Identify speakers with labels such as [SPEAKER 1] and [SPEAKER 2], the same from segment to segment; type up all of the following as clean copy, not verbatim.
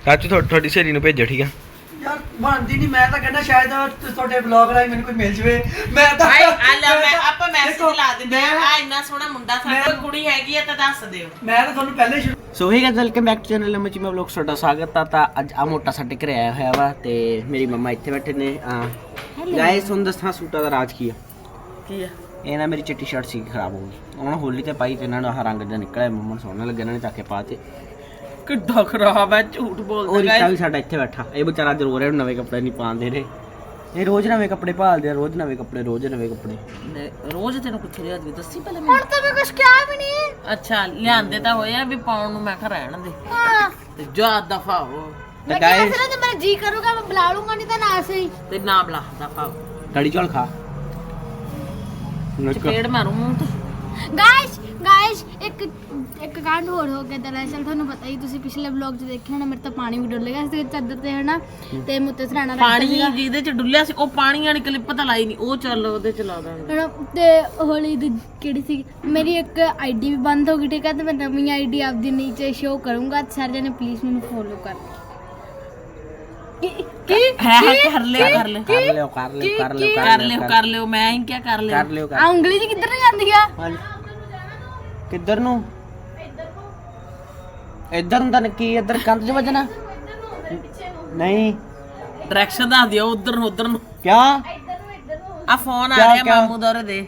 [SPEAKER 1] ਚਾਚੂ ਤੁਹਾਡੀ ਸਹੇਲੀ ਨੂੰ ਭੇਜੋ ਠੀਕ ਆ
[SPEAKER 2] ਯਾਰ ਬਣਦੀ ਨਹੀਂ। ਮੈਂ ਤਾਂ ਕਹਿੰਦਾ ਸ਼ਾਇਦ ਤੁਹਾਡੇ ਵਲੌਗ ਰਾਹੀਂ ਮੈਨੂੰ ਕੋਈ ਮਿਲ ਜਵੇ। ਮੈਂ ਤਾਂ
[SPEAKER 3] ਆਪਾਂ ਮੈਸੇਜ ਲਾ ਦਿੰਦੇ ਆ ਇੰਨਾ ਸੋਹਣਾ ਮੁੰਡਾ ਸਾਡਾ ਕੁੜੀ ਹੈਗੀ ਆ ਤਾਂ ਦੱਸ ਦਿਓ।
[SPEAKER 2] ਮੈਂ ਤਾਂ ਤੁਹਾਨੂੰ ਪਹਿਲੇ ਸ਼ੁਰੂ
[SPEAKER 1] ਸੋ ਹੀ guys welcome back to channel ਮਚੀ ਮੈਂ ਵਲੌਗ ਤੁਹਾਡਾ ਸਵਾਗਤ ਆ। ਤਾਂ ਅੱਜ ਆ ਮੋਟਾ ਸਾਡੇ ਘਰੇ ਆਇਆ ਹੋਇਆ ਵਾ ਤੇ ਮੇਰੀ ਮੰਮਾ ਇੱਥੇ ਬੈਠੇ ਨੇ। ਗਾਇਸ ਤੁਹਾਨੂੰ ਦੱਸਾਂ ਸੂਟਾਂ ਦਾ ਰਾਜ ਕੀ ਆ। ਇਹ ਨਾ ਮੇਰੀ ਚਿੱਟੀ ਸ਼ਰਟ ਸੀ ਖਰਾਬ ਹੋ ਗਈ, ਉਹਨਾਂ ਹੋਲੀ ਤੇ ਪਾਈ ਤੇ ਇਹਨਾਂ ਨੂੰ ਆਹ ਰੰਗ ਜਿਹਾ ਨਿਕਲਿਆ। ਮੰਮਾ ਨੂੰ ਸੋਹਣਾ ਲੱਗਿਆ, ਇਹਨਾਂ ਨੇ ਚੱਕ ਕੇ ਪਾ ਤੇ
[SPEAKER 3] ਕਿੱਡਾ ਖਰਾਬ ਹੈ, ਝੂਠ ਬੋਲਦਾ।
[SPEAKER 1] ਉਹ ਰਿਸ਼ਤਾ ਵੀ ਸਾਡਾ ਇੱਥੇ ਬੈਠਾ, ਇਹ ਵਿਚਾਰਾ ਅੱਜ ਰੋ ਰਿਹਾ ਨਵੇਂ ਕੱਪੜੇ ਨਹੀਂ ਪਾਉਂਦੇ ਰਹੇ। ਇਹ ਰੋਜ਼ ਨਵੇਂ ਕੱਪੜੇ ਭਾਲਦੇ ਆ, ਰੋਜ਼ ਨਵੇਂ ਕੱਪੜੇ
[SPEAKER 3] ਰੋਜ਼ ਤੈਨੂੰ ਕਿੱਥੇ ਲਿਆ ਦੀ ਦੱਸੀ ਪਹਿਲਾਂ
[SPEAKER 4] ਹੁਣ ਤਾਂ ਮੈਂ ਕੁਝ ਕਿਹਾ ਵੀ ਨਹੀਂ।
[SPEAKER 3] ਅੱਛਾ ਲਿਆਂਦੇ ਤਾਂ ਹੋਇਆ ਵੀ ਪਾਉਣ ਨੂੰ, ਮੈਂ ਕਿਹਾ ਰਹਿਣ ਦੇ
[SPEAKER 4] ਹਾਂ
[SPEAKER 3] ਤੇ ਜਾ ਦਫਾ ਹੋ।
[SPEAKER 4] ਮੈਂ ਕਿਹਾ ਸੀ ਨਾ ਜੇ ਮੇਰਾ ਜੀ ਕਰੂਗਾ ਮੈਂ ਬੁਲਾ ਲੂੰਗਾ, ਨਹੀਂ ਤਾਂ ਨਾ ਸਹੀ।
[SPEAKER 3] ਤੇ ਨਾ ਬੁਲਾ ਦਫਾ ਹੋ।
[SPEAKER 1] ਕੜੀ ਚੌਲ ਖਾ
[SPEAKER 3] ਚਪੇੜ ਮਾਰੂ ਮੂੰਹ ਤੇ।
[SPEAKER 4] ਗਾਇਸ ਇੱਕ ਕਾਂਡ ਹੋਰ ਹੋ ਗਿਆ। ਦਰਅਸਲ ਤੁਹਾਨੂੰ ਪਤਾ ਹੀ, ਤੁਸੀਂ ਪਿਛਲੇ ਵਲੌਗ 'ਚ ਦੇਖਿਆ ਹੋਣਾ, ਮੇਰੇ ਤਾਂ ਪਾਣੀ ਵੀ ਡੁੱਲ ਗਿਆ ਸੀ ਚਾਦਰ ਤੇ ਹਨਾ, ਤੇ ਮੁੱਤੇ ਸਰਾਣਾ
[SPEAKER 3] ਪਾਣੀ ਜਿਹਦੇ 'ਚ ਡੁੱਲਿਆ ਸੀ ਉਹ ਪਾਣੀ ਵਾਲੀ ਕਲਿੱਪ ਤਾਂ ਲਾਈ ਨਹੀਂ, ਉਹ ਚੱਲ ਉਹਦੇ 'ਚ ਲਾ ਦਾਂਗੇ।
[SPEAKER 4] ਤੇ ਹੋਲੀ ਦੀ ਕਿਹੜੀ ਸੀ ਮੇਰੀ ਇੱਕ ਆਈਡੀ ਵੀ ਬੰਦ ਹੋ ਗਈ, ਠੀਕ ਹੈ, ਤੇ ਮੈਂ ਨਵੀਂ ਆਈਡੀ ਆਪਦੀ ਨੀਚੇ ਸ਼ੋ ਕਰੂੰਗਾ। ਸਾਰੇ ਜਣੇ ਪਲੀਜ਼ ਮੈਨੂੰ ਫੋਲੋ ਕਰ। ਕਰ ਲਿਓ
[SPEAKER 3] ਮੈਂ ਹੀ ਕਿਆ ਕਰ ਲਿਓ।
[SPEAKER 4] ਆ ਉਂਗਲੀ ਜੀ ਕਿੱਧਰ ਨੂੰ ਜਾਂਦੀ ਆ?
[SPEAKER 1] ਕਿੱਧਰ ਨੂੰ? ਇੱਧਰ ਨੂੰ ਤਾਂ ਕੀ, ਇੱਧਰ ਕੰਧ 'ਚ ਵੱਜਣਾ ਨਹੀਂ।
[SPEAKER 3] ਡਾਇਰੈਕਸ਼ਨ ਦੱਸ ਦਿਓ ਉਧਰ ਨੂੰ
[SPEAKER 1] ਕਿਆ
[SPEAKER 3] ਆ ਫੋਨ ਆ ਰਿਹਾ ਮਾਮੂ ਦਾ ਦੇ।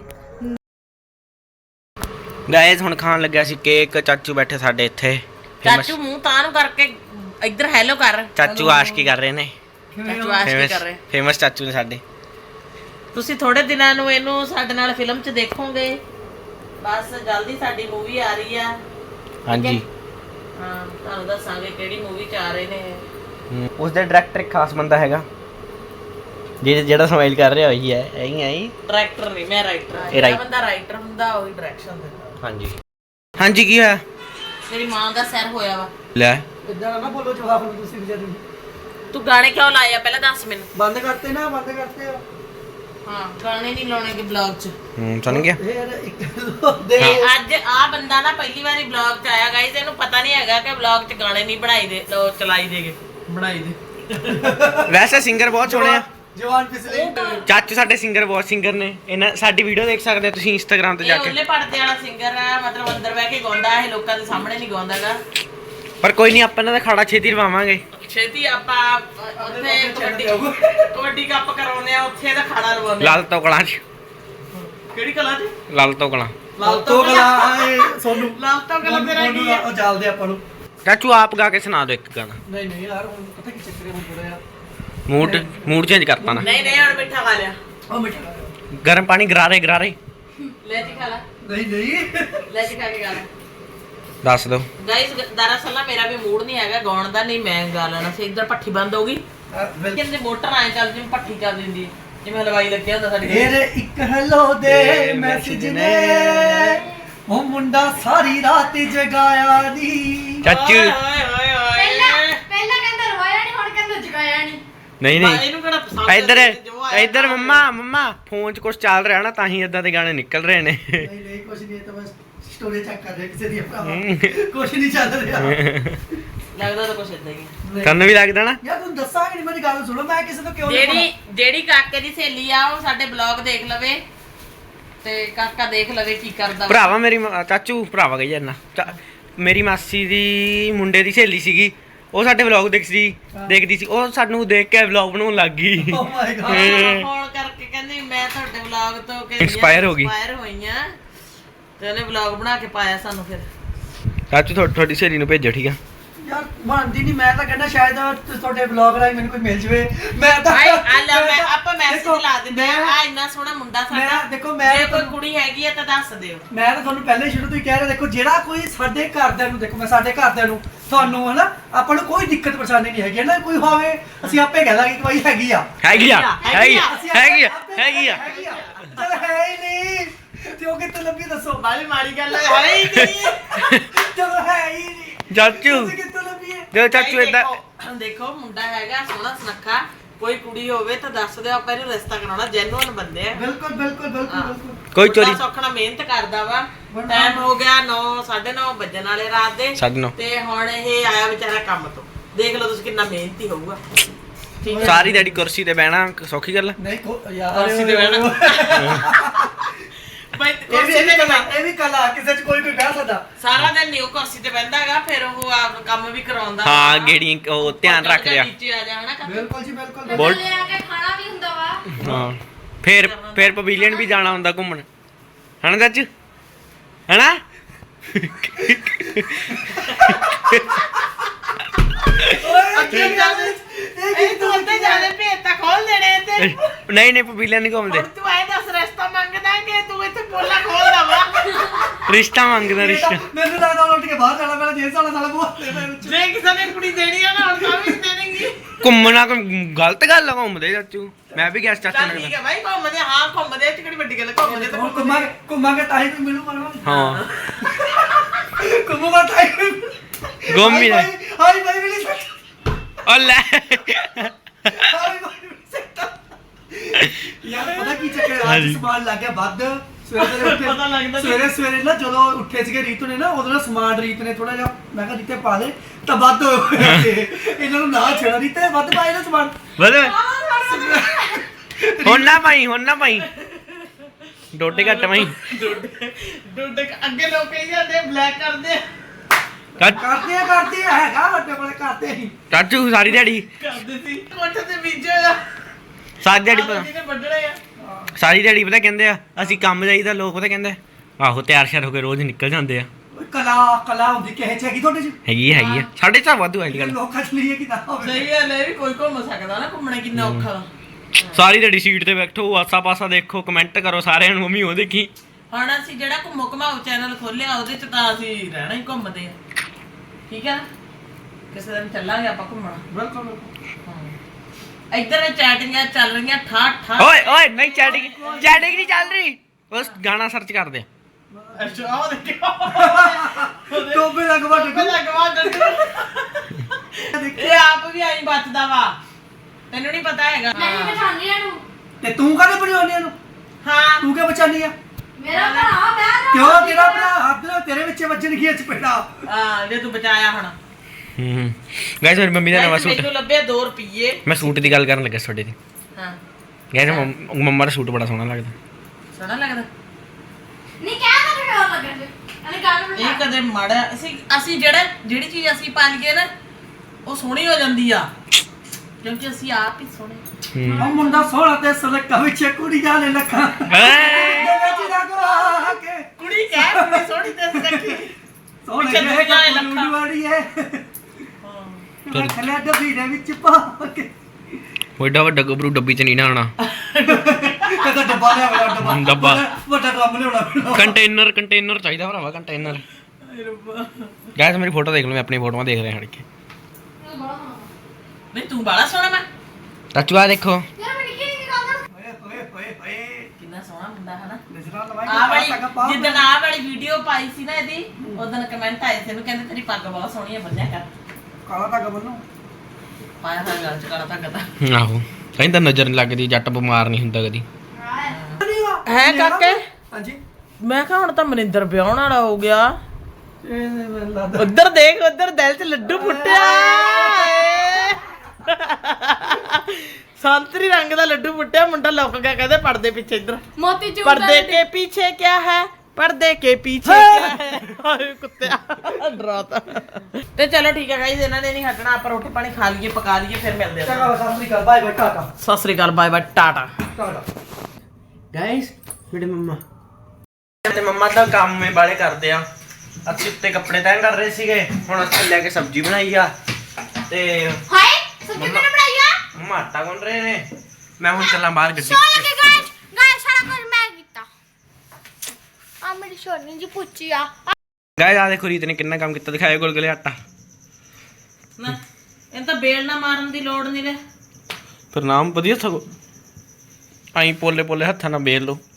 [SPEAKER 1] ਗਾਇਸ ਹੁਣ ਖਾਣ ਲੱਗਿਆ ਸੀ ਕੇਕ। ਚਾਚੂ ਬੈਠੇ ਸਾਡੇ ਇੱਥੇ।
[SPEAKER 3] ਚਾਚੂ ਮੂੰਹ ਤਾਂ ਨੂੰ ਕਰਕੇ ਇੱਧਰ ਹੈਲੋ ਕਰ।
[SPEAKER 1] ਚਾਚੂ ਆਸ਼ਕੀ ਕਰ ਰਹੇ ਨੇ,
[SPEAKER 3] ਚਾਚੂ ਆਸ਼ਕੀ ਕਰ ਰਹੇ।
[SPEAKER 1] ਫੇਮਸ ਚਾਚੂ ਨੇ ਸਾਡੇ।
[SPEAKER 3] ਤੁਸੀਂ ਥੋੜੇ ਦਿਨਾਂ ਨੂੰ ਇਹਨੂੰ ਸਾਡੇ ਨਾਲ ਫਿਲਮ 'ਚ ਦੇਖੋਗੇ। ਬਸ ਜਲਦੀ ਸਾਡੀ ਮੂਵੀ ਆ ਰਹੀ ਆ।
[SPEAKER 1] ਹਾਂਜੀ
[SPEAKER 3] ਹਾਂ ਤੁਹਾਨੂੰ ਦੱਸਾਂਗੇ ਕਿਹੜੀ ਮੂਵੀ 'ਚ ਆ ਰਹੇ ਨੇ।
[SPEAKER 1] ਉਸ ਦਾ ਡਾਇਰੈਕਟਰ ਇੱਕ ਖਾਸ ਬੰਦਾ ਹੈਗਾ ਜਿਹੜਾ ਸਮਾਈਲ ਕਰ ਰਿਹਾ ਉਹੀ ਹੈ। ਇਹੀ
[SPEAKER 3] ਡਾਇਰੈਕਟਰ ਨਹੀਂ, ਮੈਂ ਰਾਈਟਰ। ਜਿਹੜਾ ਬੰਦਾ ਰਾਈਟਰ ਹੁੰਦਾ ਉਹੀ ਡਾਇਰੈਕਸ਼ਨ ਦਿੰਦਾ।
[SPEAKER 1] ਹਾਂਜੀ ਕੀ ਹੋਇਆ?
[SPEAKER 3] ਮੇਰੀ ਮਾਂ ਦਾ ਸਿਰ ਹੋਇਆ ਵਾ।
[SPEAKER 1] ਲੈ
[SPEAKER 2] ਇਦਾਂ ਨਾ ਬੋਲੋ ਜਵਾਬ ਨੂੰ ਤੁਸੀਂ ਵਿਚਾਰੀ।
[SPEAKER 3] ਤੂੰ ਗਾਣੇ ਕਿਉਂ ਲਾਏ ਆ ਪਹਿਲਾਂ ਦੱਸ ਮੈਨੂੰ।
[SPEAKER 2] ਬੰਦ ਕਰਤੇ ਨਾ, ਬੰਦ ਕਰਤੇ ਆ।
[SPEAKER 3] ਹਾਂ ਗਾਣੇ ਨਹੀਂ ਲਾਉਣੇ ਕਿ ਬਲੌਗ 'ਚ।
[SPEAKER 1] ਸੁਣ ਗਿਆ
[SPEAKER 2] ਫੇਰ ਇੱਕ ਦੇ
[SPEAKER 3] ਅੱਜ ਆ ਬੰਦਾ ਨਾ ਪਹਿਲੀ ਵਾਰੀ ਬਲੌਗ 'ਚ ਆਇਆ ਗਾਇਸ। ਇਹਨੂੰ ਪਤਾ ਨਹੀਂ ਹੈਗਾ ਕਿ ਬਲੌਗ 'ਚ ਗਾਣੇ ਨਹੀਂ ਬਣਾਈ ਦੇ, ਚਲਾਈ ਦੇਗੇ ਬਣਾਈ ਦੇ।
[SPEAKER 1] ਵੈਸੇ ਸਿੰਗਰ ਬਹੁਤ ਸੋਹਣੇ ਆ
[SPEAKER 2] ਜਵਾਨ ਪਿਛਲੇ
[SPEAKER 1] ਚਾਚੂ ਸਾਡੇ ਸਿੰਗਰ ਨੇ। ਇਹਨਾਂ ਸਾਡੀ ਵੀਡੀਓ ਦੇਖ ਸਕਦੇ ਹੋ ਤੁਸੀਂ ਇੰਸਟਾਗ੍ਰਾਮ ਤੇ ਜਾ
[SPEAKER 3] ਇਹ
[SPEAKER 1] ਕੇ।
[SPEAKER 3] ਉੱਲੇ ਪੜਦੇ ਵਾਲਾ ਸਿੰਗਰ ਆ, ਮਤਲਬ ਅੰਦਰ ਬਹਿ ਕੇ ਗਾਉਂਦਾ ਇਹ, ਲੋਕਾਂ ਦੇ ਸਾਹਮਣੇ ਨਹੀਂ ਗਾਉਂਦਾਗਾ।
[SPEAKER 1] ਪਰ ਕੋਈ ਨਹੀਂ, ਆਪਾਂ ਇਹਨਾਂ ਦਾ ਖਾੜਾ ਛੇਤੀ ਰਵਾਵਾਂਗੇ।
[SPEAKER 3] ਛੇਤੀ ਆਪਾਂ ਉੱਥੇ ਕਬੱਡੀ ਕੱਪ ਕਰਾਉਨੇ ਆ, ਉੱਥੇ ਇਹਦਾ ਖਾੜਾ ਲਵਾਉਨੇ ਆ।
[SPEAKER 1] ਲਾਲ ਤੋਕਲਾਂ ਚ।
[SPEAKER 3] ਕਿਹੜੀ ਕਲਾ 'ਚ?
[SPEAKER 1] ਲਾਲ ਤੋਕਲਾਂ।
[SPEAKER 2] ਲਾਲ ਤੋਂ ਗਲਾ ਸੋਨੂੰ
[SPEAKER 3] ਲਾਲ ਤੋਂ ਕਲਾ ਤੇਰਾ ਕੀ ਆ?
[SPEAKER 2] ਉਹ ਚੱਲਦੇ ਆਪਾਂ ਨੂੰ।
[SPEAKER 1] ਚਾਚੂ ਆਪ ਗਾ ਕੇ ਸੁਣਾ ਦਿਓ ਇੱਕ ਗਾਣਾ।
[SPEAKER 2] ਨਹੀਂ ਯਾਰ ਹੁਣ ਪਤਾ ਕੀ ਚੱਕਰ ਹੈ, ਹੁਣ ਥੋੜਾ ਜਿਹਾ
[SPEAKER 1] ਮੂਡ ਚੇਂਜ ਕਰਤਾ ਨਾ।
[SPEAKER 3] ਨਹੀਂ ਹੁਣ ਮਿੱਠਾ ਖਾ ਲਿਆ।
[SPEAKER 2] ਉਹ ਮਿੱਠਾ
[SPEAKER 1] ਗਰਮ ਪਾਣੀ ਗਰਾਰੇ
[SPEAKER 3] ਲੈ ਜੀ ਖਾ ਲੈ।
[SPEAKER 2] ਨਹੀਂ
[SPEAKER 3] ਲੈ ਜੀ ਖਾ ਕੇ ਗਾ ਲੈ।
[SPEAKER 1] ਦੱਸ ਦਿਓ
[SPEAKER 3] ਗਾਇਸ ਦਰਅਸਲ ਨਾ ਮੇਰਾ ਵੀ ਮੂਡ ਨਹੀਂ ਹੈਗਾ ਗਾਉਣ ਦਾ, ਨਹੀਂ ਮੈਂ ਗਾ ਲੈਣਾ ਸੀ। ਇੱਧਰ ਪੱਠੀ ਬੰਦ ਹੋ ਗਈ, ਕਹਿੰਦੇ ਮੋਟਰ ਆਏ ਚੱਲ ਜਿਵੇਂ ਪੱਠੀ ਚੱਲ ਦਿੰਦੀ ਹੈ, ਜਿਵੇਂ ਹਲਵਾਈ ਲੱਗਿਆ ਹੁੰਦਾ ਸਾਡੀ।
[SPEAKER 2] ਮੇਰੇ ਇੱਕ ਹੈਲੋ ਦੇ ਮੈਸੇਜ ਨੇ ਉਹ ਮੁੰਡਾ ਸਾਰੀ ਰਾਤ ਜਗਾਇਆ ਨੀ।
[SPEAKER 1] ਚਾਚੂ
[SPEAKER 4] ਪਹਿਲਾਂ ਕਹਿੰਦਾ ਰਵਾਇਆ ਨਹੀਂ, ਹੁਣ ਕਹਿੰਦਾ ਜਗਾਇਆ ਨਹੀਂ।
[SPEAKER 1] ਨਹੀਂ
[SPEAKER 3] ਇਹਨੂੰ ਕਿਹੜਾ ਪਸੰਦ
[SPEAKER 1] ਇੱਧਰ ਮੰਮਾ ਫੋਨ 'ਚ ਕੁਝ ਚੱਲ ਰਿਹਾ ਨਾ, ਤਾਂ ਹੀ ਇਦਾਂ ਦੇ ਗਾਣੇ ਨਿਕਲ ਰਹੇ ਨੇ।
[SPEAKER 2] ਨਹੀਂ ਕੁਝ ਨਹੀਂ, ਤਾਂ ਬਸ ਸਟੋਰੀ ਚੈੱਕ ਕਰ ਰਿਹਾ ਕਿਸੇ ਦੀ ਭਰਾਵਾ, ਕੁਝ ਨਹੀਂ ਚੱਲ ਰਿਹਾ।
[SPEAKER 3] ਲੱਗਦਾ ਤਾਂ ਕੁਛ ਇਦਾਂ ਹੀ ਹੈ।
[SPEAKER 1] ਤੁਹਾਨੂੰ ਵੀ ਲੱਗਦਾ ਨਾ?
[SPEAKER 2] ਯਾਰ ਤੁਹਾਨੂੰ ਦੱਸਾਂਗੇ ਨਹੀਂ, ਮੇਰੀ ਗੱਲ ਸੁਣੋ, ਮੈਂ ਕਿਸੇ ਤੋਂ ਕਿਉਂ
[SPEAKER 3] ਜਿਹੜੀ ਕਾਕੇ ਦੀ ਸਹੇਲੀ ਆ ਉਹ ਸਾਡੇ ਬਲੌਗ ਦੇਖ ਲਵੇ ਤੇ ਕਾਕਾ ਦੇਖ ਲਵੇ ਕੀ ਕਰਦਾ।
[SPEAKER 1] ਭਰਾਵਾ ਮੇਰੀ ਚਾਚੂ ਭਰਾਵਾ ਗਈ ਜਾਂਦਾ। ਮੇਰੀ ਮਾਸੀ ਦੀ ਮੁੰਡੇ ਦੀ ਸਹੇਲੀ ਸੀਗੀ, ਉਹ ਸਾਡੇ ਵਲੌਗ ਦੇਖਦੀ ਸੀ। ਉਹ ਸਾਨੂੰ ਦੇਖ ਕੇ ਵਲੌਗ ਬਣਾਉਣ ਲੱਗ ਗਈ।
[SPEAKER 2] ਓ ਮਾਈ ਗॉड।
[SPEAKER 3] ਫੋਨ ਕਰਕੇ ਕਹਿੰਦੀ ਮੈਂ ਤੁਹਾਡੇ ਵਲੌਗ ਤੋਂ
[SPEAKER 1] ਇੰਸਪਾਇਰ ਹੋਈਆਂ
[SPEAKER 3] ਤੇ ਉਹਨੇ ਵਲੌਗ ਬਣਾ ਕੇ ਪਾਇਆ ਸਾਨੂੰ। ਫਿਰ
[SPEAKER 1] ਚਾਚੂ ਤੁਹਾਡੀ ਸਹੇਲੀ ਨੂੰ ਭੇਜੋ ਠੀਕ ਆ।
[SPEAKER 2] ਯਾਰ ਬਣਦੀ ਨਹੀਂ। ਮੈਂ ਤਾਂ ਕਹਿੰਦਾ ਸ਼ਾਇਦ ਤੁਹਾਡੇ ਵਲੌਗ ਰਾਹੀਂ ਮੈਨੂੰ ਕੋਈ ਮਿਲ ਜਵੇ। ਮੈਂ ਤਾਂ
[SPEAKER 3] ਆਪਾਂ ਮੈਸੇਜ ਲਾ ਦਿੰਦੇ ਆ ਇੰਨਾ ਸੋਹਣਾ ਮੁੰਡਾ ਸਾਡਾ।
[SPEAKER 2] ਦੇਖੋ ਮੈਂ
[SPEAKER 3] ਜੇ ਕੋਈ ਕੁੜੀ ਹੈਗੀ ਆ ਤਾਂ ਦੱਸ ਦਿਓ।
[SPEAKER 2] ਮੈਂ ਤਾਂ ਤੁਹਾਨੂੰ ਪਹਿਲੇ ਸ਼ੁਰੂ ਤੋਂ ਹੀ ਕਹਿ ਰਿਹਾ, ਦੇਖੋ ਜਿਹੜਾ ਕੋਈ ਸਾਡੇ ਘਰਦਿਆਂ ਨੂੰ, ਦੇਖੋ ਮੈਂ ਸਾਡੇ ਘਰਦਿਆਂ ਨੂੰ ਤੁਹਾਨੂੰ ਹਨਾ, ਆਪਾਂ ਨੂੰ ਕੋਈ ਦਿੱਕਤ ਪਰੇਸ਼ਾਨੀ ਨਹੀਂ ਹੈਗੀ ਨਾ। ਕੋਈ ਹੋਵੇ ਅਸੀਂ ਆਪੇ ਕਹਿ ਦਾਂਗੇ ਕਿ ਭਾਈ ਹੈਗੀ ਆ। ਚਲ ਹੈ ਹੀ ਨਹੀਂ ਤੇ ਉਹ ਕਿੱਥੇ ਲੱਭੀ ਦੱਸੋ?
[SPEAKER 3] ਬਾਲੀ ਮਾੜੀ ਗੱਲ ਹੈ ਹੀ ਨਹੀਂ।
[SPEAKER 2] ਚਲੋ ਹੈ ਹੀ ਨਹੀਂ
[SPEAKER 1] ਚਾਚੂ
[SPEAKER 2] ਕਿੱਥੇ ਲੱਭੀ ਹੈ?
[SPEAKER 1] ਜਦੋਂ ਚਾਚੂ ਏਦਾਂ
[SPEAKER 3] ਦੇਖੋ ਮੁੰਡਾ ਹੈਗਾ ਸੋਹਣਾ ਸੁਨੱਖਾ, ਕੋਈ ਕੁੜੀ ਹੋਵੇ ਤਾਂ ਦੱਸ ਦਿਓ, ਆਪਾਂ ਇਹਨੂੰ ਰਿਸ਼ਤਾ ਕਰਾਉਣਾ। ਜੈਨੂਅਨ ਬੰਦੇ ਆ।
[SPEAKER 2] ਬਿਲਕੁਲ
[SPEAKER 1] ਕੋਈ ਚੋਰੀ
[SPEAKER 3] ਸੌਖਣਾ ਮਿਹਨਤ ਕਰਦਾ ਵਾ। ਟਾਈਮ ਹੋ ਗਿਆ 9 9:30 ਵੱਜਣ ਵਾਲੇ ਰਾਤ ਦੇ।
[SPEAKER 1] ਸਾਡੇ ਨੂੰ
[SPEAKER 3] ਤੇ ਹੁਣ ਇਹ ਆਇਆ ਵਿਚਾਰਾ ਕੰਮ ਤੋਂ। ਦੇਖ ਲਓ ਤੁਸੀਂ ਕਿੰਨਾ ਮਿਹਨਤੀ ਹੋਊਗਾ। ਠੀਕ ਹੈ
[SPEAKER 1] ਸਾਰੀ ਦਿਹਾੜੀ ਕੁਰਸੀ ਤੇ ਬਹਿਣਾ ਸੌਖੀ ਗੱਲ ਆ?
[SPEAKER 2] ਨਹੀਂ ਯਾਰ
[SPEAKER 3] ਕੁਰਸੀ ਤੇ ਬਹਿਣਾ ਬਈ ਕੁਰਸੀ ਤੇ ਨਹੀਂ
[SPEAKER 2] ਇਹ ਵੀ ਕਲਾ ਕਿਸੇ ਚ ਕੋਈ ਬਹਿ ਸਕਦਾ।
[SPEAKER 3] ਸਾਰਾ ਦਿਨ ਨਹੀਂ ਉਹ ਕੁਰਸੀ ਤੇ ਬਹਿੰਦਾ ਹੈਗਾ, ਫਿਰ ਉਹ ਆਪ ਕੰਮ ਵੀ ਕਰਾਉਂਦਾ।
[SPEAKER 1] ਹਾਂ ਗੇੜੀ ਉਹ ਧਿਆਨ ਰੱਖ ਲਿਆ।
[SPEAKER 3] ਨੀਚੇ ਆ ਜਾ ਹਨਾ ਕੰਮ।
[SPEAKER 2] ਬਿਲਕੁਲ ਜੀ ਬਿਲਕੁਲ।
[SPEAKER 1] ਬੋਲ।
[SPEAKER 4] ਲੈ ਆ ਕੇ ਖਾਣਾ ਵੀ ਹੁੰਦਾ ਵਾ।
[SPEAKER 1] ਹਾਂ ਫਿਰ ਪਵੇਲੀਅਨ ਵੀ ਜਾਣਾ ਹੁੰਦਾ ਘੁੰਮਣ ਹਨਾ ਚਾਚੂ ਹਨਾ?
[SPEAKER 3] ਅੱਗੇ ਜਾਵੇ ਇਹ ਤੂੰ ਉੱਤੇ ਜਾਣੇ ਭੇਤ ਤਾਂ ਖੋਲ ਦੇਣੇ ਤੇ
[SPEAKER 1] ਨਹੀਂ ਪਵੇਲੀਅਨ ਨਹੀਂ ਘੁੰਮਦੇ।
[SPEAKER 3] ਹੁਣ ਤੂੰ ਆਏ ਦੱਸ ਰਸਤਾ ਮੰਗਦਾ ਕਿ ਤੂੰ ਇੱਥੇ ਪੋਲਾ ਖੋਲ ਦਵਾ।
[SPEAKER 1] ਰਿਸ਼ਤਾ ਮੰਗਦਾ ਰਿਸ਼ਤਾ।
[SPEAKER 2] ਮੈਨੂੰ ਲੱਗਦਾ ਉੱਠ ਕੇ ਬਾਹਰ ਜਾਣਾ ਪਹਿਲਾਂ ਜੇਲ੍ਹ ਸਾਲਾ ਬੋਲਦੇ ਪਏ ਵਿੱਚ।
[SPEAKER 3] ਜੇ ਕਿਸੇ ਨੇ ਕੁੜੀ ਦੇਣੀ ਆ ਨਾ ਹੁਣ ਤਾਂ ਵੀ ਦੇਣਗੇ।
[SPEAKER 1] ਘੁੰਮਣਾ ਕੋਈ ਗਲਤ ਗੱਲ ਆ? ਘੁੰਮਦੇ ਚਾਚੂ ਮੈਂ ਵੀ ਗਿਆ ਚਾਚੂ
[SPEAKER 3] ਚੱਲ
[SPEAKER 1] ਨਾਲ।
[SPEAKER 3] ਠੀਕ ਹੈ ਭਾਈ ਘੁੰਮਦੇ ਹਾਂ ਘੁੰਮਦੇ ਇਹ ਚ ਕਿਹੜੀ ਵੱਡੀ ਗੱਲ ਘੁੰਮਦੇ ਤਾਂ
[SPEAKER 2] ਹੁਣ ਘੁੰਮਾਂਗੇ ਤਾਂ ਹੀ ਕੋਈ ਮਿਲੂ ਮਰਵਾ।
[SPEAKER 1] ਹਾਂ
[SPEAKER 2] ਘੁੰਮੂਗਾ ਤਾਂ ਹੀ
[SPEAKER 1] ਗੁੰਮ ਹੀ ਨਾ।
[SPEAKER 2] ਹਾਈ ਭਾਈ ਵੀ ਨਹੀਂ ਸਕਦਾ।
[SPEAKER 1] ਓ ਲੈ
[SPEAKER 2] ਹਾਈ ਭਾਈ ਵੀ ਨਹੀਂ ਸਕਦਾ। ਯਾਰ ਪਤਾ ਕੀ ਚੱਕਰ ਅੱਜ ਸਮਾਨ ਲੱਗ ਗਿਆ ਵੱਧ।
[SPEAKER 3] ਪਤਾ ਲੱਗਦਾ
[SPEAKER 2] ਸਵੇਰੇ ਸਵੇਰੇ ਨਾ ਜਦੋਂ ਉੱਠੇ ਸੀਗੇ ਰੀਤੂ ਨੇ ਨਾ ਉਦੋਂ ਨਾ ਸਮਾਨ ਰੀਤ ਨੇ ਥੋੜਾ ਜਿਹਾ ਮੈਂ ਕਿਹਾ ਰੀਤੇ ਪਾ ਦੇ ਤਾਂ ਵੱਧ ਹੋਇਆ ਸੀ। ਇਹਨਾਂ ਨੂੰ ਨਾ ਛੇੜਾ ਰੀਤੇ ਵੱਧ ਪਾਏ ਨਾ ਸਮਾਨ।
[SPEAKER 1] ਹੁਣ ਨਾ ਪਾਈ ਡੋਡੇ ਘੱਟ ਪਾਈ।
[SPEAKER 3] ਡੋਡੇ ਅੱਗੇ ਲੋਕ ਕਹੀ ਜਾਂਦੇ ਬਲੈਕ ਕਰਦੇ
[SPEAKER 2] ਕਰਦੇ ਆ ਹੈਗਾ ਵੱਡੇ ਕੋਲੇ ਕਰਦੇ ਸੀ।
[SPEAKER 1] ਚਾਚੂ ਸਾਰੀ ਦਿਹਾੜੀ
[SPEAKER 3] ਕਰਦੇ ਸੀ ਕੋਠੇ ਤੇ ਬੀਜੇ ਦਾ
[SPEAKER 1] ਸਾਰੀ ਦਿਹਾੜੀ ਪਤਾ
[SPEAKER 3] ਜਿਹਨੇ ਵੱਢਣੇ ਆ।
[SPEAKER 1] ਸਾਰੀ ਦਿਹਾੜੀ ਪਤਾ ਕਹਿੰਦੇ ਆ ਅਸੀਂ ਕੰਮ ਜਾਈਦਾ ਲੋਕ ਪਤਾ ਕਹਿੰਦੇ ਆਹੋ ਤਿਆਰ ਸ਼ਿਆਰ ਹੋ ਕੇ ਰੋਜ਼ ਨਿਕਲ ਜਾਂਦੇ ਆ।
[SPEAKER 2] ਕਲਾ ਹੁੰਦੀ ਕਿਸੇ ਚ ਹੈਗੀ ਤੁਹਾਡੇ ਚ?
[SPEAKER 1] ਹੈਗੀ ਆ ਸਾਡੇ ਚ ਵਾਧੂ ਆਈ ਗੱਲ।
[SPEAKER 2] ਲੋਕਾਂ ਚ ਲਈ ਹੈ ਕਿ ਨਾ ਹੋਵੇ।
[SPEAKER 3] ਸਹੀ ਗੱਲ ਹੈ ਵੀ ਕੋਈ ਘੁੰਮ ਸਕਦਾ ਨਾ ਘੁੰਮਣਾ ਕਿੰਨਾ ਔਖਾ।
[SPEAKER 1] ਸਾਰੀ ਦਿਹਾੜੀ ਸੀਟ ਤੇ ਬੈਠੋ ਆਸਾ ਪਾਸਾ ਦੇਖੋ ਕਮੈਂਟ ਕਰੋ ਸਾਰਿਆਂ ਨੂੰ ਮੰਮੀ ਉਹ ਦੇਖੀ।
[SPEAKER 3] ਹੁਣ ਅਸੀਂ ਜਿਹੜਾ ਘੁੰਮੋ ਘਮਾਓ ਚੈਨਲ ਖੋਲਿਆ ਉਹਦੇ ਚ ਤਾਂ ਅਸੀਂ ਰਹਿਣਾ ਹੀ ਘੁੰਮਦੇ ਆ। ਠੀਕ ਹੈ ਕਿਸੇ ਦਿਨ ਚੱਲਾਂਗੇ ਆਪਾਂ ਘੁੰਮਣਾ।
[SPEAKER 2] ਬਿਲਕੁਲ
[SPEAKER 3] ਇੱਧਰ ਚੈਟਿੰਗਾਂ ਚੱਲ ਰਹੀਆਂ ਠਾ
[SPEAKER 1] ਓਏ ਨਹੀਂ ਚੈਟਿੰਗ ਨਹੀਂ ਚੱਲ ਰਹੀ ਬਸ ਗਾਣਾ ਸਰਚ ਕਰਦੇ ਆ।
[SPEAKER 3] ਅੱਛਾ ਉਹ ਦੇਖਿਓ
[SPEAKER 2] ਟੋਬੇ ਦਾ ਗਵਾ
[SPEAKER 3] ਇਹ ਆਪ ਵੀ ਆਈ ਬਚਦਾ ਵਾ ਤੈਨੂੰ ਨਹੀਂ ਪਤਾ ਹੈਗਾ।
[SPEAKER 4] ਨਹੀਂ ਬਚਾਉਂਦੀਆਂ ਨੂੰ।
[SPEAKER 2] ਤੇ ਤੂੰ ਕਾਹਦੇ ਬਣਾਉਣੀ ਨੂੰ?
[SPEAKER 3] ਹਾਂ
[SPEAKER 2] ਤੂੰ ਕਿਉਂ ਬਚਾਨੀ ਆ?
[SPEAKER 4] ਮੇਰਾ ਭਰਾ ਬਹਿ
[SPEAKER 2] ਕਿਉਂ ਤੇਰਾ ਭਰਾ ਹੱਥ ਨਾਲ ਤੇਰੇ ਵਿੱਚ ਵੱਜਣਗੀਆਂ ਚਪੇੜਾ।
[SPEAKER 3] ਹਾਂ ਜੇ ਤੂੰ ਬਚਾਇਆ ਹੁਣ।
[SPEAKER 1] ਗਾਇਸ ਮੇਰੀ ਮੰਮੀ ਦਾ ਨਵਾਂ ਸੂਟ
[SPEAKER 3] ਮੈਨੂੰ ਲੱਭਿਆ 2 ਰੁਪਏ।
[SPEAKER 1] ਮੈਂ ਸੂਟ ਦੀ ਗੱਲ ਕਰਨ ਲੱਗਾ ਤੁਹਾਡੇ ਦੀ।
[SPEAKER 3] ਹਾਂ
[SPEAKER 1] ਗਾਇਸ ਮੰਮਾ ਦਾ ਸੂਟ ਬੜਾ ਸੋਹਣਾ ਲੱਗਦਾ।
[SPEAKER 3] ਸੋਹਣਾ ਲੱਗਦਾ
[SPEAKER 4] ਨਹੀਂ ਕਹਿ ਤਾਂ ਫਿਰ ਹੋਰ ਲੱਗਣ ਦੇ। ਅਰੇ ਗੱਲ
[SPEAKER 3] ਇਹ ਕਦੇ ਮਾੜਾ ਅਸੀਂ ਜਿਹੜੀ ਚੀਜ਼ ਅਸੀਂ ਪਾ ਲਈਏ ਨਾ ਉਹ ਸੋਹਣੀ ਹੋ ਜਾਂਦੀ ਆ ਕਿਉਂਕਿ ਅਸੀਂ ਆਪ ਹੀ ਸੋਹਣੇ।
[SPEAKER 2] ਉਹ ਮੁੰਡਾ ਸੋਹਣਾ ਤੇ ਸਲਕਾ ਵਿੱਚ ਕੁੜੀ ਜਾਲੇ ਲੱਖਾਂ ਵਿੱਚ ਰਗਵਾ ਕੇ
[SPEAKER 3] ਕੁੜੀ ਕਹਿ ਕੁੜੀ ਸੋਹਣੀ ਤੇ ਅਸੀਂ ਰੱਖੀ।
[SPEAKER 2] ਸੋਹਣੇ
[SPEAKER 3] ਪਿੱਛੇ
[SPEAKER 2] ਜਿਹੇ
[SPEAKER 3] ਦੁਨੀਆ
[SPEAKER 2] ਕੱਪੜੇ
[SPEAKER 3] ਲੱਖਾਂ।
[SPEAKER 2] ਵਾੜੀ ਹੈ ਰੱਖ ਲੈ ਡੱਬੀ ਦੇ ਵਿੱਚ ਪਾ ਕੇ।
[SPEAKER 1] ਵੱਡਾ ਵੱਡਾ ਗੱਭਰੂ ਡੱਬੀ ਚ ਨਹੀਂ ਨਾ ਆਉਣਾ।
[SPEAKER 2] ਕਦਾ ਡੱਬਾ ਲਿਆ ਵੱਡਾ
[SPEAKER 1] ਡੱਬਾ।
[SPEAKER 2] ਵੱਡਾ ਕੰਮ ਲਿਆਉਣਾ।
[SPEAKER 1] ਕੰਟੇਨਰ ਚਾਹੀਦਾ ਭਰਾਵਾ ਕੰਟੇਨਰ। ਗਾਇਸ ਮੇਰੀ ਫੋਟੋ ਦੇਖ ਲਓ ਮੈਂ ਆਪਣੀ ਫੋਟੋਆਂ ਦੇਖ ਰਿਹਾ ਹੜ ਕੇ।
[SPEAKER 3] ਨਹੀਂ ਤੂੰ ਬਾਲਾ ਸੋਹਣਾ ਮੈਂ
[SPEAKER 1] ਚਾਚੂ ਆ ਦੇਖੋ
[SPEAKER 4] ਯਾਰ ਮੈਂ ਨਿੱਕੀ ਨਿੱਕੀ ਗੱਲ
[SPEAKER 2] ਓਏ ਓਏ ਓਏ ਓਏ
[SPEAKER 3] ਕਿੰਨਾ ਸੋਹਣਾ ਮੁੰਡਾ ਹਨਾ।
[SPEAKER 2] ਨਜ਼ਰਾਂ ਲਵਾਈ
[SPEAKER 3] ਆਹ ਵਾਲੀ ਜਿੱਦਣ ਆਹ ਵਾਲੀ ਵੀਡੀਓ ਪਾਈ ਸੀ ਨਾ ਇਹਦੀ ਉਦੋਂ ਕਮੈਂਟ ਆਏ ਸੀ ਇਹਨੂੰ ਕਹਿੰਦੇ ਤੇਰੀ ਪੱਗ ਬਹੁਤ ਸੋਹਣੀ ਹੈ ਬੰਨਿਆ ਕਰ।
[SPEAKER 2] ਕਾਲਾ ਧਾਗਾ ਬੰਨੋ।
[SPEAKER 3] ਪਾਇਆ ਹੋਇਆ ਗੱਲ ਚ ਕਾਲਾ ਧਾਗਾ ਤਾਂ
[SPEAKER 1] ਆਹੋ ਕਹਿੰਦਾ ਨਜ਼ਰ ਨਹੀਂ ਲੱਗਦੀ ਜੱਟ ਬਿਮਾਰ ਨਹੀਂ ਹੁੰਦਾ ਕਦੀ।
[SPEAKER 3] ਹੈ ਕਾਕੇ
[SPEAKER 2] ਹਾਂਜੀ
[SPEAKER 3] ਮੈਂ ਕਿਹਾ ਹੁਣ ਤਾਂ ਮਨਿੰਦਰ ਵਿਆਹਣ ਵਾਲਾ ਹੋ ਗਿਆ।
[SPEAKER 2] ਇਹ ਮੈਨੂੰ ਲੱਗਦਾ
[SPEAKER 3] ਉੱਧਰ ਦੇਖ ਉੱਧਰ ਦਿਲ 'ਚ ਲੱਡੂ ਫੁੱਟਿਆ ਸੰਤਰੀ ਰੰਗ ਦਾ ਲੱਡੂ ਫੁੱਟਿਆ ਮੁੰਡਾ ਲੁੱਕ ਗਿਆ ਕਹਿੰਦੇ ਪਰਦੇ ਪਿੱਛੇ ਇੱਧਰ
[SPEAKER 4] ਮੋਤੀ ਚੂਰ
[SPEAKER 3] पर्दे के पीछे क्या है पर्दे के पीछे क्या है हाय कुत्ता डराता ਤੇ ਚਲੋ ਠੀਕ ਹੈ ਗਾਇਸ ਇਹਨਾਂ ਨੇ ਨਹੀਂ ਹਟਣਾ ਆਪਾਂ ਰੋਟੀ ਪਾਣੀ ਖਾ ਲਈਏ ਪਕਾ ਲਈਏ ਫਿਰ ਮਿਲਦੇ ਹਾਂ।
[SPEAKER 2] ਚੰਗਾ ਸਤਿ ਸ੍ਰੀ ਅਕਾਲ ਬਾਏ ਬਾਏ ਟਾਟਾ
[SPEAKER 3] ਸਤਿ ਸ੍ਰੀ ਅਕਾਲ ਬਾਏ ਬਾਏ ਟਾਟਾ।
[SPEAKER 2] ਟਾਟਾ।
[SPEAKER 1] ਗਾਇਸ ਮੇਰੇ ਮੰਮਾ ਤੇ ਮੰਮਾ ਤਾਂ ਕੰਮ ਮੇ ਬਾਲੇ ਕਰਦੇ ਆ। ਅਸੀਂ ਉੱਤੇ ਕੱਪੜੇ ਤੈਅ ਕਰ ਰਹੇ ਸੀਗੇ ਹੁਣ ਅਸੀਂ ਲੈ ਕੇ ਸਬਜ਼ੀ ਬਣਾਈ ਆ ਤੇ
[SPEAKER 4] ਹਾਏ ਸਬਜ਼ੀ ਕਿਹਨੇ ਬਣਾਈ ਆ?
[SPEAKER 1] ਮੰਮਾ ਆਟਾ ਗੁੰਨ ਰਹੇ ਨੇ। ਮੈਂ ਹੁਣ ਚੱਲਾਂ ਬਾਹਰ ਗੱਡੀ
[SPEAKER 4] ਸੋ ਲੱਗੇ ਗਾਇਸ ਸਾਰਾ ਕੁਝ ਮੈਂ ਕੀਤਾ। ਆ ਮੇਰੀ ਛੋਟੀ ਜੀ ਪੁੱਛੀ ਆ।
[SPEAKER 1] ਗਾਇਸ ਆ ਦੇਖੋ ਰੀਤ ਨੇ ਕਿੰਨਾ ਕੰਮ ਕੀਤਾ ਦਿਖਾਇਓ ਗੁਲਗੁਲੇ ਆਟਾ।
[SPEAKER 3] ਨਾ ਇਹ ਤਾਂ ਬੇਲ ਨਾ ਮਾਰਨ ਦੀ ਲੋੜ ਨਹੀਂ ਲੈ
[SPEAKER 1] ਫਿਰ ਨਾਮ ਵਧੀਆ ਸਗੋ ਆਈ ਪੋਲੇ ਪੋਲੇ ਹੱਥਾਂ ਨਾਲ ਬੇਲ ਲਓ।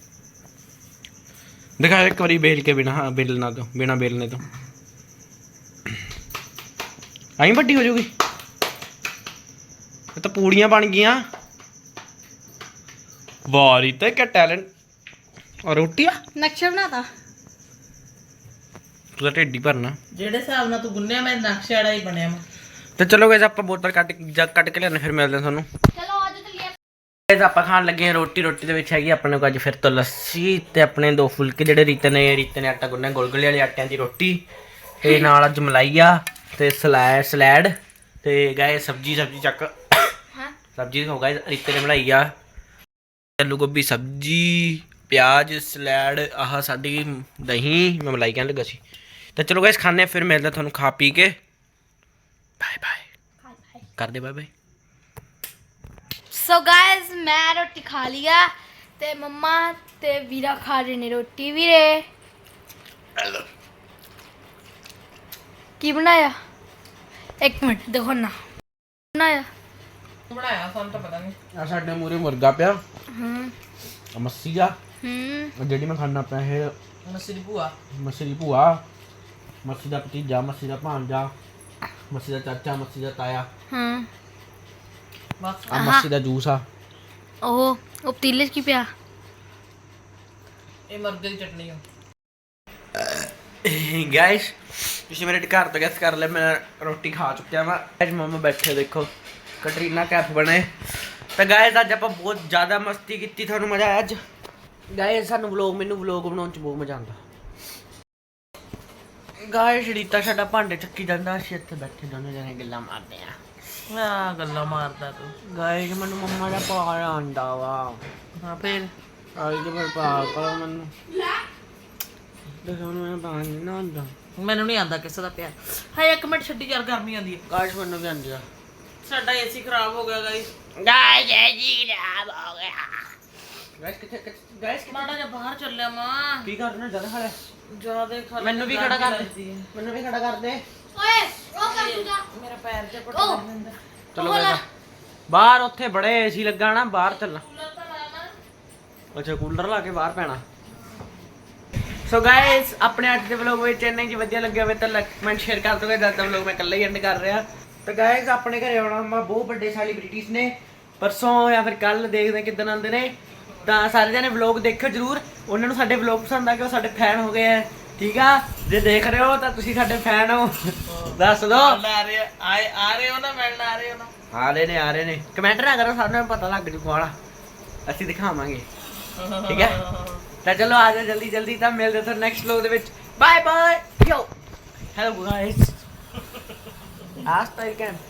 [SPEAKER 1] ਦਿਖਾਓ ਇੱਕ ਵਾਰੀ ਬੇਲ ਕੇ ਬਿਨਾ ਬੇਲਣਾ ਤੋਂ ਬਿਨਾ ਬੇਲਨੇ ਤੋਂ ਆਈ ਵੱਡੀ ਹੋ ਜਾਊਗੀ। ਇਹ ਤਾਂ ਪੂੜੀਆਂ ਬਣ ਗਈਆਂ। ਵਾਹ ਰੀਤ ਕੀ ਟੈਲੈਂਟ। ਔਰ ਰੋਟੀਆਂ
[SPEAKER 4] ਨਕਸ਼ਾ ਬਣਾਤਾ।
[SPEAKER 1] ਤੂੰ ਤਾਂ ਢਿੱਡੀ ਭਰਨਾ।
[SPEAKER 3] ਜਿਹੜੇ ਹਿਸਾਬ ਨਾਲ ਤੂੰ ਗੁੰਨਿਆ ਮੈਂ ਨਕਸ਼ੇ ਵਾਲਾ ਹੀ ਬਣਿਆ ਮੈਂ।
[SPEAKER 1] ਤੇ ਚਲੋ ਗਾਇਸ ਆਪਾਂ ਬੋਤਲ ਕੱਟ ਕੇ ਲਿਆਣੇ, ਫਿਰ ਮਿਲਦੇ ਹਾਂ ਤੁਹਾਨੂੰ।
[SPEAKER 4] ਚਲੋ ਅੱਜ ਚੱਲੀਏ।
[SPEAKER 1] ਗਾਇਸ ਆਪਾਂ ਖਾਣ ਲੱਗੇ ਹਾਂ ਰੋਟੀ ਦੇ ਵਿੱਚ ਹੈਗੀ ਆਪਣੇ ਕੋਲ ਅੱਜ ਫਿਰ ਤੋਂ ਲੱਸੀ ਤੇ ਆਪਣੇ 2 ਫੁਲਕੇ ਜਿਹੜੇ ਰੀਤੇ ਨੇ ਆਟਾ ਗੁੰਨਿਆ ਗੁਲਗੁਲੇ ਵਾਲੇ ਆਟਿਆਂ ਦੀ ਰੋਟੀ ਤੇ ਨਾਲ ਅੱਜ ਮਲਾਈ ਆ ਤੇ ਸਲੈਡ ਤੇ ਗਾਇਸ ਸਬਜੀ ਚੱਕ
[SPEAKER 4] ਹਾਂ
[SPEAKER 1] ਸਬਜੀ ਹੋ ਗਾਇਸ ਰੀਤੇ ਨੇ ਬਣਾਈ ਆ ਆਲੂ ਗੋਭੀ ਸਬਜੀ ਪਿਆਜ਼ ਸਲੈਡ ਆਹ ਸਾਡੀ ਦਹੀਂ ਮੈਂ ਮਲਾਈ ਕਹਿਣ ਲੱਗਾ ਸੀ। ਤਾਂ ਚਲੋ ਗਾਇਸ ਖਾਣੇ ਫਿਰ ਮਿਲਦੇ ਤੁਹਾਨੂੰ ਖਾ ਪੀ ਕੇ। ਬਾਏ ਕਰਦੇ ਬਾਏ।
[SPEAKER 4] ਸੋ ਗਾਇਜ਼ ਮੈਂ ਰੋਟੀ ਖਾ ਲਿਆ ਤੇ ਮੰਮਾ ਤੇ ਵੀਰਾ ਖਾ ਰਹੇ ਨੇ ਰੋਟੀ। ਵੀਰੇ ਕੀ ਬਣਾਇਆ? ਇੱਕ ਮਿੰਟ ਦੇਖੋ ਨਾ ਬਣਾਇਆ
[SPEAKER 3] ਸਾਨੂੰ ਤਾਂ ਪਤਾ ਨਹੀਂ।
[SPEAKER 1] ਆ ਸਾਡੇ ਮੂਰੇ ਮੁਰਗਾ ਪਿਆ ਮੱਸੀ ਆ ਜਿਹੜੀ ਮੈਂ ਖਾਣਾ ਪਿਆ ਇਹ
[SPEAKER 3] ਮੱਸੀ ਦੀ ਭੂਆ
[SPEAKER 1] ਮੱਸੀ ਦਾ ਭਤੀਜਾ ਮੱਸੀ ਦਾ ਭਾਂਜਾ ਮੱਸੀ ਦਾ ਚਾਚਾ ਮੱਸੀ ਦਾ ਤਾਇਆ
[SPEAKER 3] ਬਸ
[SPEAKER 1] ਆ ਮੱਸੀ ਦਾ ਜੂਸ ਆ।
[SPEAKER 4] ਉਹ ਪਤੀਲੇ 'ਚ ਕੀ ਪਿਆ?
[SPEAKER 3] ਇਹ ਮਰਗੇ ਦੀ ਚਟਨੀ ਆ।
[SPEAKER 1] ਗਾਇਸ ਤੁਸੀਂ ਮੇਰੇ ਘਰ ਤੋਂ ਗੈਸ ਕਰ ਲਿਆ ਮੈਂ ਰੋਟੀ ਖਾ ਚੁੱਕਿਆ ਵਾ। ਅੱਜ ਮਮਾ ਬੈਠੇ ਦੇਖੋ ਕਟਰੀਨਾ ਕੈਫ ਬਣੇ। ਤਾਂ ਗਾਇਸ ਅੱਜ ਆਪਾਂ ਬਹੁਤ ਜ਼ਿਆਦਾ ਮਸਤੀ ਕੀਤੀ, ਤੁਹਾਨੂੰ ਮਜ਼ਾ ਆਇਆ ਅੱਜ? ਗਾਇਸ ਸਾਨੂੰ ਮੈਨੂੰ ਵਲੌਗ ਬਣਾਉਣ ਚ ਬਹੁਤ ਮਜ਼ਾ ਆਉਂਦਾ। ਗਾਇਸ ਰੀਤਾ ਸਾਡਾ ਭਾਂਡੇ ਚੱਕੀ ਜਾਂਦਾ, ਅਸੀਂ ਇੱਥੇ ਬੈਠੇ ਦੋਨੇ ਜਣੇ ਗੱਲਾਂ ਮਾਰਦੇ ਆ।
[SPEAKER 3] ਗੱਲਾਂ ਮਾਰਦਾ ਤੂੰ।
[SPEAKER 1] ਗਾਇਸ ਮੈਨੂੰ ਮੰਮਾ ਦਾ ਪਿਆਰ ਆਉਂਦਾ ਵਾ।
[SPEAKER 3] ਹਾਂ ਫਿਰ
[SPEAKER 1] ਆਈ ਤੇ ਫਿਰ ਪਿਆਰ ਕਰੋ ਮੈਨੂੰ। ਦੇਖੋ ਮੈਨੂੰ ਪਾਣੀ ਨਾ ਆਉਂਦਾ।
[SPEAKER 3] ਮੈਨੂੰ ਨਹੀਂ ਆਂਦਾ ਕਿਸੇ ਦਾ ਪਿਆਰ। ਹਾਏ ਇੱਕ ਮਿੰਟ ਛੱਡੀ ਯਾਰ ਗਰਮੀ ਆਂਦੀ ਹੈ।
[SPEAKER 1] ਗਾਇਸ ਮੈਨੂੰ ਵੀ ਆਉਂਦੀ ਆ।
[SPEAKER 3] ਸਾਡਾ ਏਸੀ ਖਰਾਬ ਹੋ ਗਿਆ ਗਾਇਸ।
[SPEAKER 1] ਗਾਇਸ ਕਿੱਥੇ ਗਾਇਸ
[SPEAKER 3] ਮਾੜਾ ਜਿਹਾ ਬਾਹਰ ਚੱਲਿਆ ਮਾਂ।
[SPEAKER 1] ਕੀ ਕਰਨਾ ਜ਼ਿਆਦਾ ਖੜਾ
[SPEAKER 3] ਜਿਆਦਾ ਖਾ
[SPEAKER 1] ਮੈਨੂੰ ਵੀ ਖੜਾ ਕਰ ਦੇ ਮੈਨੂੰ ਵੀ ਖੜਾ ਕਰ ਦੇ।
[SPEAKER 4] ਓਏ ਉਹ ਕਰ ਦੂਗਾ
[SPEAKER 3] ਮੇਰਾ ਪੈਰ ਜਿਹਾ ਪਟਾ ਦਿੰਦਾ।
[SPEAKER 1] ਚਲੋ ਗਾਇਸ ਬਾਹਰ ਉੱਥੇ ਬੜੇ ਏਸੀ ਲੱਗਾ ਨਾ, ਬਾਹਰ ਚੱਲਣਾ। ਅੱਛਾ ਕੂਲਰ ਲਾ ਕੇ ਬਾਹਰ ਪੈਣਾ। ਸੋ ਗਾਇਸ ਆਪਣੇ ਅੱਜ ਦੇ ਵਲੌਗ ਵਿੱਚ ਇੰਨਾ ਹੀ ਵਧੀਆ ਲੱਗਿਆ ਹੋਵੇ ਤਾਂ ਲਾਈਕ ਕਮੈਂਟ ਸ਼ੇਅਰ ਕਰ ਦੋਗੇ। ਜਦ ਤੱਕ ਵਲੌਗ ਮੈਂ ਇਕੱਲਾ ਹੀ ਐਂਡ ਕਰ ਰਿਹਾ। ਤਾਂ ਗਾਇਸ ਆਪਣੇ ਘਰੇ ਆਉਣਾ ਮਾ ਬਹੁਤ ਵੱਡੇ ਸੈਲੀਬ੍ਰਿਟੀਜ਼ ਨੇ ਪਰਸੋਂ ਜਾਂ ਫਿਰ ਕੱਲ, ਦੇਖਦੇ ਕਿੱਦਣ ਆਉਂਦੇ ਨੇ। ਤਾਂ ਸਾਰੇ ਜਣੇ ਵਲੌਗ ਦੇਖਿਓ ਜ਼ਰੂਰ। ਉਹਨਾਂ ਨੂੰ ਸਾਡੇ ਵਲੌਗ ਪਸੰਦ ਆ ਕੇ ਉਹ ਸਾਡੇ ਫੈਨ ਹੋ ਗਏ ਆ, ਠੀਕ ਆ? ਜੇ ਦੇਖ ਰਹੇ ਹੋ ਤਾਂ ਤੁਸੀਂ ਸਾਡੇ ਫੈਨ ਹੋ, ਦੱਸ ਦੋ।
[SPEAKER 3] ਆ ਰਹੇ ਹੋ ਨਾ ਮਿਲਣ ਆ ਰਹੇ ਹੋ ਨਾ।
[SPEAKER 1] ਆ ਰਹੇ ਨੇ ਕਮੈਂਟ ਨਾ ਕਰੋ, ਸਾਨੂੰ ਪਤਾ ਲੱਗ ਜੂ ਕੌਣ ਆ, ਅਸੀਂ ਦਿਖਾਵਾਂਗੇ, ਠੀਕ ਹੈ? ਤਾਂ ਚਲੋ ਆ ਜਾਓ ਜਲਦੀ ਤਾਂ ਮਿਲਦੇ ਤੁਹਾਨੂੰ ਨੈਕਸਟ ਵਲੌਗ ਦੇ ਵਿੱਚ। Bye bye yo hello guys ਆਸਤਾ